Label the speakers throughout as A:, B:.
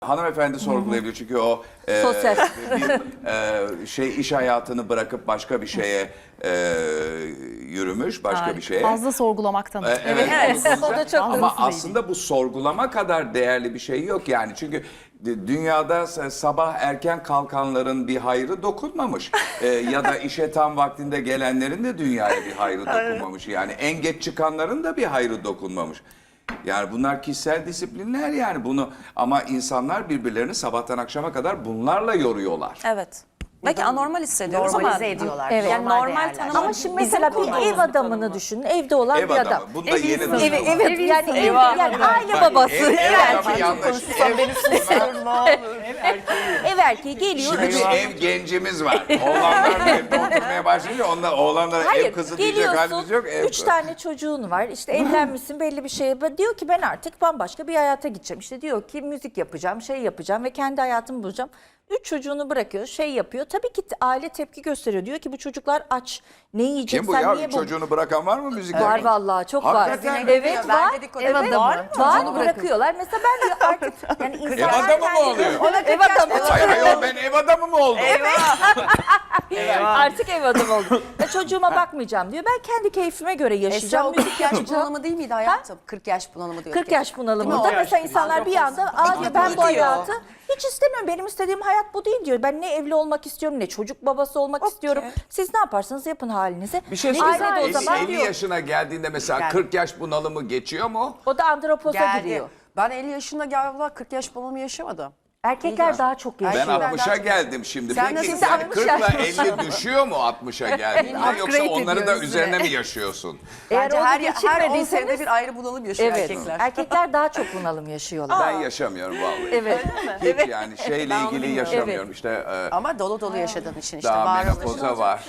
A: Hanımefendi sorgulayabilir çünkü o
B: Sosyal.
A: iş hayatını bırakıp başka bir şeye yürümüş, başka bir şeye.
C: Fazla sorgulamaktan.
A: Evet,
B: o da çok
A: ama
B: hızlıydı.
A: aslında bu sorgulama kadar değerli bir şey yok yani. Çünkü dünyada sabah erken kalkanların bir hayrı dokunmamış. Ya da işe tam vaktinde gelenlerin de dünyaya bir hayrı dokunmamış. Yani en geç çıkanların da bir hayrı dokunmamış. Yani bunlar kişisel disiplinler yani bunu ama insanlar birbirlerini sabahtan akşama kadar bunlarla yoruyorlar.
D: Evet. Belki anormal hissediyoruz ama
E: Normalize ediyorlar.
B: Evet.
D: yani normal tanım.
B: Ama şimdi mesela bir ev adamını düşünün. Evde olan
A: Ev
B: bir
A: adamı.
B: adam.
A: Bunda yeni
B: Evet,
A: tanım var.
B: evet yani,
D: Eyvah.
B: yani aile
A: Bak,
B: babası.
A: ev adamı yanlış.
B: Ev erkeği geliyor.
A: Şimdi bir ev gencimiz var. Oğlanlar evde oturmaya başlayınca oğlanlara ev
B: Hayır,
A: kızı diyecek halimiz yok.
B: geliyorsun, 3 tane çocuğun var, işte evlenmişsin belli bir şeye. Diyor ki ben artık bambaşka bir hayata gideceğim. İşte diyor ki müzik yapacağım, şey yapacağım ve kendi hayatımı bulacağım. 3 çocuğunu bırakıyor, şey yapıyor. Tabii ki aile tepki gösteriyor. Diyor ki bu çocuklar aç, ne yiyecek,
A: Kim bu
B: sen
A: ya?
B: niye bu?
A: Çocuğunu bırakan var mı müzik
B: Var
A: yapan?
B: vallahi çok
A: Hakikaten
B: var.
A: mi?
B: Evet
E: Ben
B: var.
E: dedikodu
B: Evet,
E: var mı?
B: var.
E: Çocuğunu
B: Bırakıyorlar. Mesela ben diyor artık yani
A: Ev
B: insanlar
A: adamı mı oluyor?
B: Ev adamı.
A: Hayır hayır ben ev adamı mı oldum?
B: Artık ev adamı oldum. Ya çocuğuma bakmayacağım diyor. Ben kendi keyfime göre
E: Esra
B: yaşayacağım.
E: o 40 yaş bunalımı değil miydi hayatım? 40 yaş bunalımı diyor.
B: 40 yaş bunalımında
E: Değil mi o?
B: mesela insanlar bir anda aa diyor, ben bu
E: Diyor.
B: hayatı hiç istemiyorum. Benim istediğim hayat bu değil diyor. Ben ne evli olmak istiyorum ne çocuk babası olmak istiyorum. Siz ne yaparsanız yapın halinize.
A: Bir şey
B: Aile de
A: söyleyeyim.
B: o zaman
A: 50
B: diyor.
A: yaşına geldiğinde mesela
E: Yani.
A: 40 yaş bunalımı geçiyor mu?
B: O da andropoza
E: Geldi.
B: giriyor.
E: Ben 50 yaşında galiba 40 yaş bunalımı yaşamadım.
B: Erkekler daha çok
A: Ben
B: yaşıyor.
E: Erkekler
A: 60'a
E: daha çok-
A: geldim şimdi.
E: Sen
A: Peki
E: nasıl
A: yani
B: 60
A: 40 ile
B: yaş
A: 50 düşüyor mu 60'a geldiğinde yoksa
B: Upgrade
A: onları da
B: ediyoruz
A: üzerine mi yaşıyorsun?
B: Eğer
E: Bence
B: onu
E: her 10
B: geçirmediyseniz
E: senede bir ayrı bunalım yaşıyor
B: evet.
E: erkekler.
B: Erkekler daha çok bunalım yaşıyorlar.
A: Ben yaşamıyorum vallahi.
B: Evet.
A: Hiç yani şeyle
E: Ben onu
A: ilgili
E: bilmiyorum.
A: yaşamıyorum. İşte
E: Ama dolu dolu yaşadığın için işte
A: daha
E: varoluşun
A: menopoza var.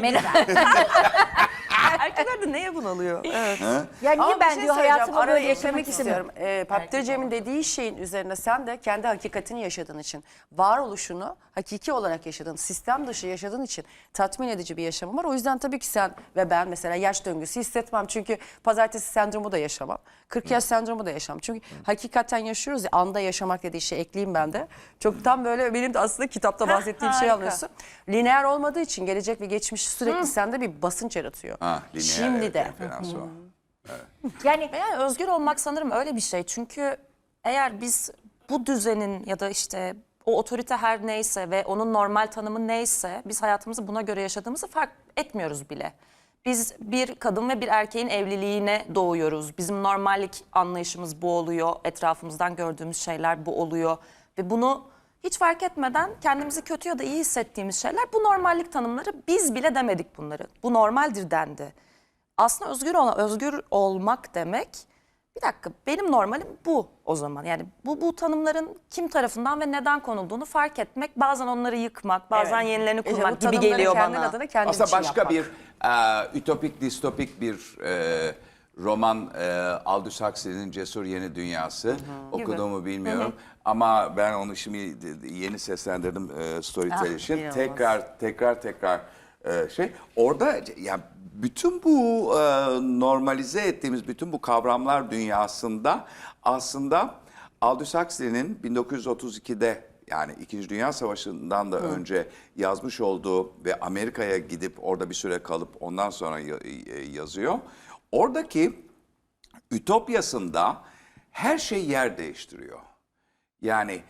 D: Erkekler de neye bunalıyor? Evet.
B: Ya niye
E: Ama bir
B: ben
E: şey
B: diyor
E: söyleyeceğim,
B: hayatımı
E: araya
B: böyle yaşamak
E: eklemek
B: istemiyorum.
E: istiyorum. Paptır Cem'in dediği şeyin üzerine sen de kendi hakikatini yaşadığın için, varoluşunu hakiki olarak yaşadığın, sistem dışı yaşadığın için tatmin edici bir yaşamın var. O yüzden tabii ki sen ve ben mesela yaş döngüsü hissetmem. Çünkü pazartesi sendromu da yaşamam. 40 yaş sendromu da yaşamam. Çünkü hakikaten yaşıyoruz ya, anda yaşamak dediği şey ekleyeyim ben de. Çok tam böyle benim de aslında kitapta bahsettiğim şey anlıyorsun. Lineer olmadığı için gelecek ve geçmiş sürekli sende bir basınç yaratıyor.
A: Ha, lineer,
E: Şimdi
A: evet,
E: de.
A: referans o.
B: Yani
D: Yani özgür olmak sanırım öyle bir şey. Çünkü eğer biz bu düzenin ya da işte o otorite her neyse ve onun normal tanımı neyse biz hayatımızı buna göre yaşadığımızı fark etmiyoruz bile. Biz bir kadın ve bir erkeğin evliliğine doğuyoruz. Bizim normallik anlayışımız bu oluyor. Etrafımızdan gördüğümüz şeyler bu oluyor. Ve bunu hiç fark etmeden kendimizi kötü ya da iyi hissettiğimiz şeyler bu normallik tanımları, biz bile demedik bunları. Bu normaldir dendi. Aslında özgür olmak demek, bir dakika benim normalim bu o zaman. Yani bu tanımların kim tarafından ve neden konulduğunu fark etmek, bazen onları yıkmak, bazen yenilerini
E: İşte bu
D: kurmak gibi
E: tanımları
D: geliyor
E: kendin
D: bana.
E: adına kendin
A: Aslında
E: için
A: başka
E: yapmak.
A: bir ütopik, distopik bir roman Aldous Huxley'nin Cesur Yeni Dünyası. Okuduğumu bilmiyorum. Ama ben onu şimdi yeni seslendirdim Storytel için.
E: inanılmaz.
A: Tekrar şey. Orada ya bütün bu normalize ettiğimiz bütün bu kavramlar dünyasında aslında Aldous Huxley'nin 1932'de yani İkinci Dünya Savaşı'ndan da önce yazmış olduğu ve Amerika'ya gidip orada bir süre kalıp ondan sonra yazıyor. Oradaki ütopyasında her şey yer değiştiriyor. Yani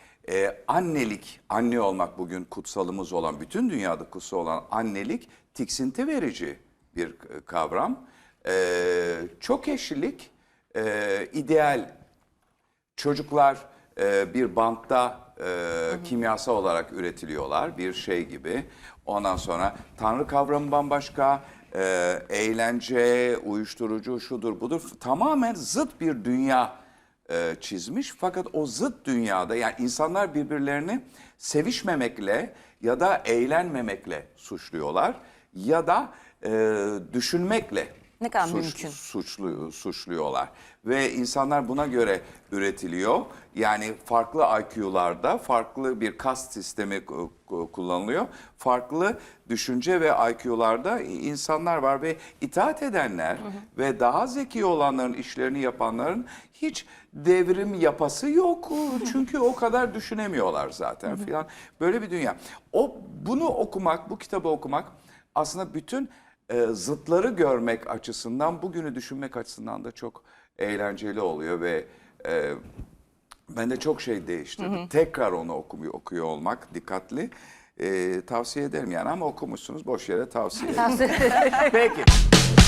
A: anne olmak bugün kutsalımız olan, bütün dünyada kutsal olan annelik tiksinti verici bir kavram. Çok eşlilik, ideal. Çocuklar bir bantta kimyasal olarak üretiliyorlar, bir şey gibi. Ondan sonra Tanrı kavramı bambaşka, eğlence, uyuşturucu, şudur budur. Tamamen zıt bir dünya çizmiş. Fakat o zıt dünyada yani insanlar birbirlerini sevişmemekle ya da eğlenmemekle suçluyorlar. Ya da düşünmekle
D: Ne kadar mümkün.
A: suçluyorlar. Ve insanlar buna göre üretiliyor. Yani farklı IQ'larda farklı bir kast sistemi kullanılıyor. Farklı düşünce ve IQ'larda insanlar var ve itaat edenler ve daha zeki olanların, işlerini yapanların hiç devrim yapası yok. Çünkü o kadar düşünemiyorlar zaten filan. Böyle bir dünya. Bunu okumak, bu kitabı okumak aslında bütün zıtları görmek açısından, bugünü düşünmek açısından da çok eğlenceli oluyor ve bende çok şey değiştirdi. Tekrar onu okuyor olmak dikkatli. Tavsiye ederim yani, ama okumuşsunuz, boş yere tavsiye ederim. Peki.